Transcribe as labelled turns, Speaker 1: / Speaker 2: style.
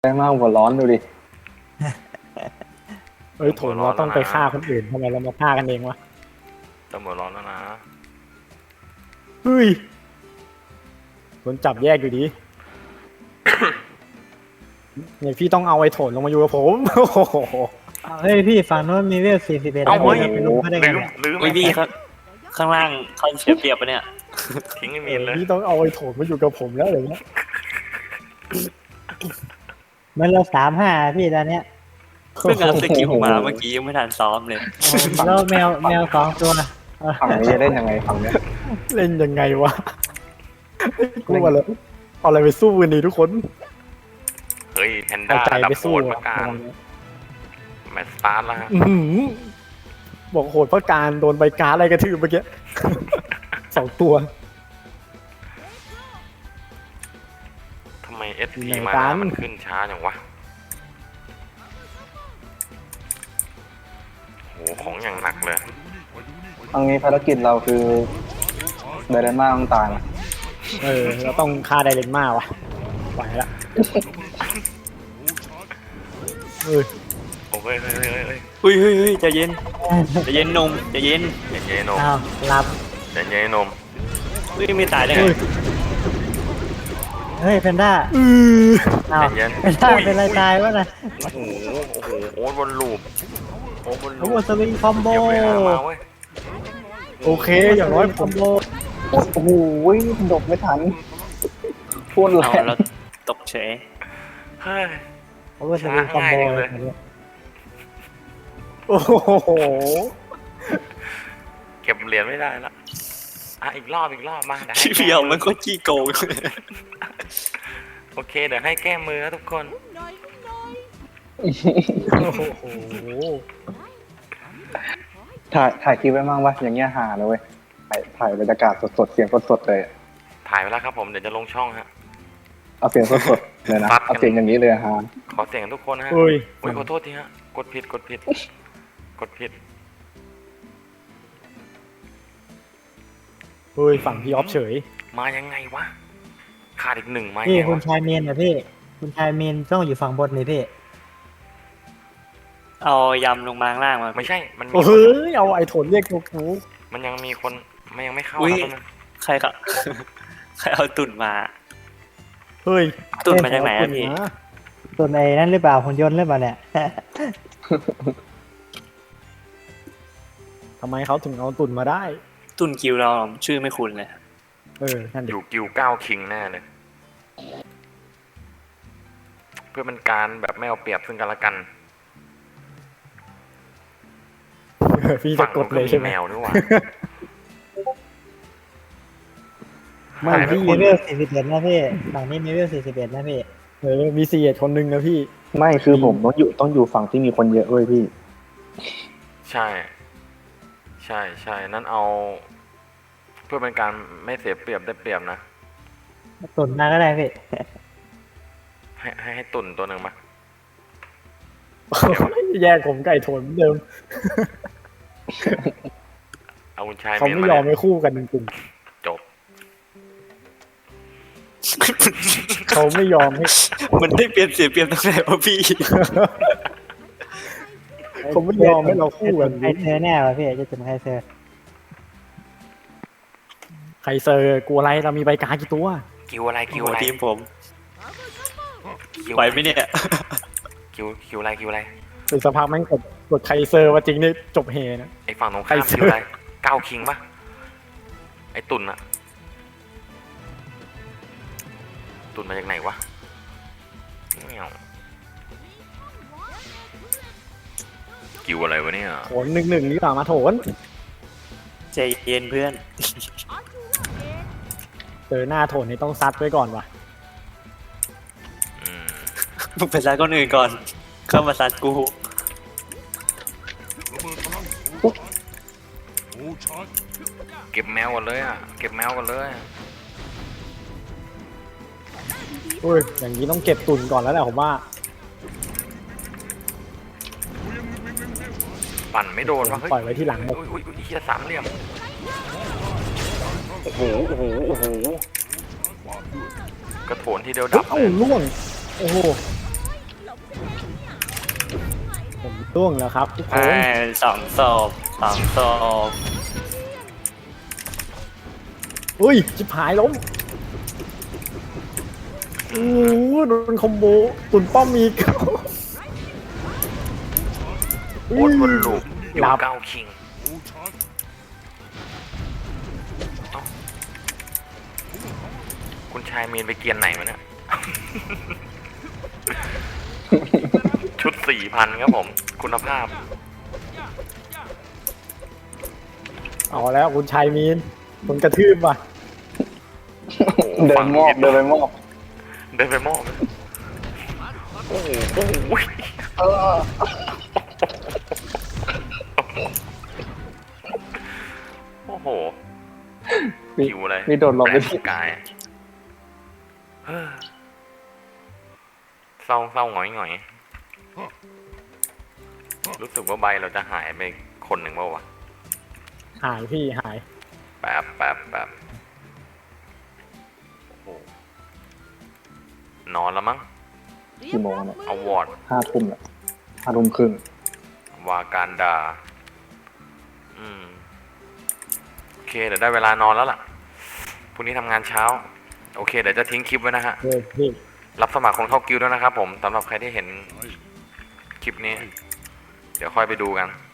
Speaker 1: แรงมากหัวร้อนดูดิ
Speaker 2: เอ้ยโถเราต้องไปฆ่าคนอื่นทำไมเรามาฆ่ากันเองวะ
Speaker 3: ตำรวจร้อนแล้วนะ
Speaker 2: เฮ้ยโดนจับแยกอยู่ดี เนี่ยพี่ต้องเอาไอ้โถนลงมาอยู่กับผม โอ้โห
Speaker 4: เฮ้ยพี่ฝั่งโน้นมีเวล41
Speaker 3: เอาเฮ้ย
Speaker 4: ไปลุมเขาได้ไง
Speaker 3: ลืม
Speaker 4: เนี่ย
Speaker 3: ลืม
Speaker 5: อุ้ยพี่ข้างล่างเขาเสียเปรียบปะเนี่ย
Speaker 3: ทิ้งไม่มีเลย
Speaker 2: พี่ต้องเอาไอ้โถนมาอยู่กับผมแล้วอะไรเงี้ย
Speaker 4: มันเรา35พี่ตอนเนี้ย
Speaker 5: เพิ่งเอาสกิลมาเมื่อกี้ยังไม่ทันซ้อมเลย
Speaker 4: แล้วแมว2 ตัว
Speaker 1: ฝั่งนี้จะเล่นยังไงฝั่งเนี้ย
Speaker 2: เล่นยังไงวะกลัวเลยเอาอะไรไปสู้กันดีทุกคน
Speaker 3: เฮ้ยแพน
Speaker 2: เอา
Speaker 3: ด้า
Speaker 2: ใจ
Speaker 3: ดับ
Speaker 2: ไป
Speaker 3: โห
Speaker 2: สู้
Speaker 3: ดประกาศแมตช์สตาร์ทแล้วฮะ
Speaker 2: อื้อหือบอกโหดเพราะการโดนใบการดอะไรกระทืบเมื่อกี้ 2 ตัว
Speaker 3: ทำไม SP
Speaker 2: ไหน
Speaker 3: มา
Speaker 2: กัน
Speaker 3: มันขึ้นช้าอย่างวะโหของอย่างหนักเลย
Speaker 1: ตรงนี้ภารกิจเราคือไดราม่าต้องตายนะ
Speaker 2: เราต้องฆ่าไดเรนมาวะไหวละเฮ้ย
Speaker 3: โอ้ยเฮ้ยเฮ้ยเฮ้ย
Speaker 5: เฮ้ยใจเย็นใจเย็นนมใจเย็น
Speaker 3: ใจเย็นนม
Speaker 4: อ้าวหลับ
Speaker 3: ใจเย็นนม
Speaker 5: เฮ้ยไม่ตายได้ไง
Speaker 4: เฮ้ยแพนด้า
Speaker 2: อือ
Speaker 4: อ้าว
Speaker 3: ใจเย็น
Speaker 4: แพนด้าเป็นไรตายวะน่ะ
Speaker 3: โอ้โหโอ้โหโอ้ยบนลูปโอ้บน
Speaker 4: โอ้
Speaker 3: ลูป
Speaker 4: สวิงคอมโบ
Speaker 3: เดี๋ยวไปหามาเว้ย
Speaker 2: โอเคอย่างน้อยผม
Speaker 1: โอ้โหดกไม่ทันพูดแร
Speaker 5: เอา
Speaker 1: ง
Speaker 5: เราตกเฉย
Speaker 3: เฮ้ย
Speaker 4: โอ้สวิงคอมโบ
Speaker 3: ช้าง่ายเลย
Speaker 2: โอ้โห
Speaker 3: เก็บเหรียญไม่ได้ละอ่ะอีกรอบมาเดี๋ยวให้
Speaker 5: พี่เพียวมันก็ขี้โกง
Speaker 3: โอเคเดี๋ยวให้แก้มือนะทุกคน
Speaker 2: โอ้โห
Speaker 1: ถ่ายคลิปไว้มั่งวะอย่างเงี้ยหาเลยเว้ยถ่ายบรรยากาศสดๆเสียงสดๆเลยอะ
Speaker 3: ถ่ายไปแล้วครับผมเดี๋ยวจะลงช่องฮะ
Speaker 1: เอาเสียงสดๆเลยนะ
Speaker 3: ซัดกัน
Speaker 1: เอาเสียงอย่างนี้เลยฮะ
Speaker 3: ขอเสียงทุกคนนะฮะ
Speaker 2: เฮ้ย
Speaker 3: โอ้ยขอโทษทีฮะกดผิดกดผิด
Speaker 2: เฮ้ยฝั่งพี่ออฟเฉย
Speaker 3: มายังไงวะขาดอีกหนึ่งไหม
Speaker 4: พี่
Speaker 3: ไง
Speaker 4: คุณ
Speaker 3: วะ
Speaker 4: ชายเมนนะพี่คุณชายเมนต้องอยู่ฝั่งบนนี่พี่
Speaker 5: เอายำลงมาข้างล่างมา
Speaker 3: ไม่ใช่มันมี
Speaker 2: โอ้ยเอาไอ้โถนเรียกกู
Speaker 3: มันยังมีคนมันยังไม่เข้า
Speaker 5: อุ้ย
Speaker 3: แล้วนะ
Speaker 5: ใครครับ ใครเอาตุ่นมา
Speaker 2: เฮ้ย
Speaker 5: ตุ่นมาจากไหนอะพี่
Speaker 4: ส่วนไอ้นั่นหรือเปล่าหุ่นยนต์หรือเปล่าเนี่ย
Speaker 2: ทำไมเขาถึงเอาตุนมาได้
Speaker 5: ตุ่นกิวเราชื่อไม่คุ้นเลย
Speaker 2: นั่น
Speaker 3: อ
Speaker 2: ดิ
Speaker 3: ยู่กิวเก้าคิงแน่เลย เพื่อเป็นการแบบไม่เอาเปรียบซึ่งกันและกัน
Speaker 2: พี่จะกดเลยใช่ไหม
Speaker 3: แมวด้วยว่ะ
Speaker 2: ไม่
Speaker 3: หายไป
Speaker 2: พี่
Speaker 4: มี
Speaker 3: คน
Speaker 4: เวล41นะพี่ฝั่งนี้มีเวล41นะพี่
Speaker 2: มีเสียคนหนึ่งนะพี่
Speaker 1: ไม่คือผมต้องอยู่ฝั่งที่มีคนเยอะเว้ยพี่
Speaker 3: ใช่นั่นเอา เพื่อเป็นการไม่เสียเปรียบได้เปรียบนะ
Speaker 4: ตุ่นมาก็ได้พี่
Speaker 3: ให้ตุ่นตัวหนึ่งมา
Speaker 2: แยกผมไก่โถนเหมือนเดิม
Speaker 3: เอาคุณชาย
Speaker 2: เขา
Speaker 3: เมียน
Speaker 2: ไม่
Speaker 3: มาย
Speaker 2: อม
Speaker 3: เนี่ย
Speaker 2: ให้คู่กันจริง
Speaker 3: จบ
Speaker 2: ๆเขาไม่ยอมให้
Speaker 5: มันได้เปรียบเสียเปรียบตรงไหนวะพี่
Speaker 2: เขาไม่ยอมให้เราคู่กัน
Speaker 4: ใครเซอร์แน่วะพี่จะจุ่มใครเซอร์
Speaker 2: ใครเซอร์กูอะไรเรามีใบการดกี่ตัว
Speaker 3: คิวอะไรคิว
Speaker 5: หัว
Speaker 3: อะไร
Speaker 5: ทีมผม
Speaker 3: คิว
Speaker 5: ไหวไหมเนี่ย
Speaker 3: คิวอะไร
Speaker 2: เป็นสภาพกแม่งกดใครเซอร์ว่าจริงนี่จบเฮนะ
Speaker 3: ไอ้ฝั่งตรง
Speaker 2: ใคร
Speaker 3: ข้าม
Speaker 2: ซื้อ
Speaker 3: คิวอะไรเก้าคิงปะไอ้ตุ่นอะตุ่นมาจากไหนวะเงี้ยวคิวอะไรวะเนี่ย
Speaker 2: โถน1-1นี่หว่ามาโถน
Speaker 5: ใจเย็นเพื่อน
Speaker 2: เจอหน้าโถนนี่ต้องซัดไว้ก่อนว่ะ
Speaker 3: อืม
Speaker 5: มึงไปซัดคนอื่นก่อน เข้ามาซัดกู
Speaker 3: เก็บแมวกันเลยอ่ะเก็บแมวกันเลย
Speaker 2: เฮ้ยอย่างนี้ต้องเก็บตุนก่อนแล้วแหละผมว่า
Speaker 3: ปั่นไม่โดนวะเฮ้ย
Speaker 2: ปล่อยไว้ที่หลังหมด
Speaker 3: อุ้ยเฮียสามเหลี่ยมโอ้โหกระโถนทีเดียวดับ
Speaker 2: เอ้าล่วงโอ้โหผมร่วงแล้วครับทุกคน
Speaker 5: สองศพสองศพ
Speaker 2: อุ้ยจิบหายล้มโอ้โหโดนคอมโบตุนป้อมอีก
Speaker 3: โคตรวนลูปอยู่
Speaker 2: หลับ
Speaker 3: เก้าคิงเอ้าคุณชายมีนไปเกียนไหนมาเนี่ย ชุด 4,000 ครับผม คุณภาพ
Speaker 2: เอาแล้วคุณชายมีนโดนกระทืบว่ะ
Speaker 1: เดินมอบเดินไปมอบ
Speaker 3: เดินไปมอบ โอ้โหโอ้โห โอ้โห
Speaker 1: มี
Speaker 3: หิวเลย
Speaker 1: มีโดดหลบไป
Speaker 3: แปร
Speaker 1: ที่
Speaker 3: กายเฮ้อเศร้าเศร้าหงอยหงอยรู้สึกว่าใบเราจะหายไปคนหนึ่งเปล่าวะ
Speaker 2: หายพี่หาย
Speaker 3: แป๊บโอ้โหนอนแล้วมั้ง
Speaker 1: กี่โมงเนี่ย
Speaker 3: เอาวอร์ด
Speaker 1: 5 ทุ่มเนี่ย5 ทุ่มครึ่ง
Speaker 3: วาการดา โอเค เดี๋ยวได้เวลานอนแล้วล่ะ พรุ่งนี้ทำงานเช้า โอเค เดี๋ยวจะทิ้งคลิปไว้นะฮะ
Speaker 2: เฮ้ยพี่
Speaker 3: รับสมัครคนเข้ากิลด์ด้วยนะครับผมสำหรับใครที่เห็นคลิปนี้ เดี๋ยวค่อยไปดูกัน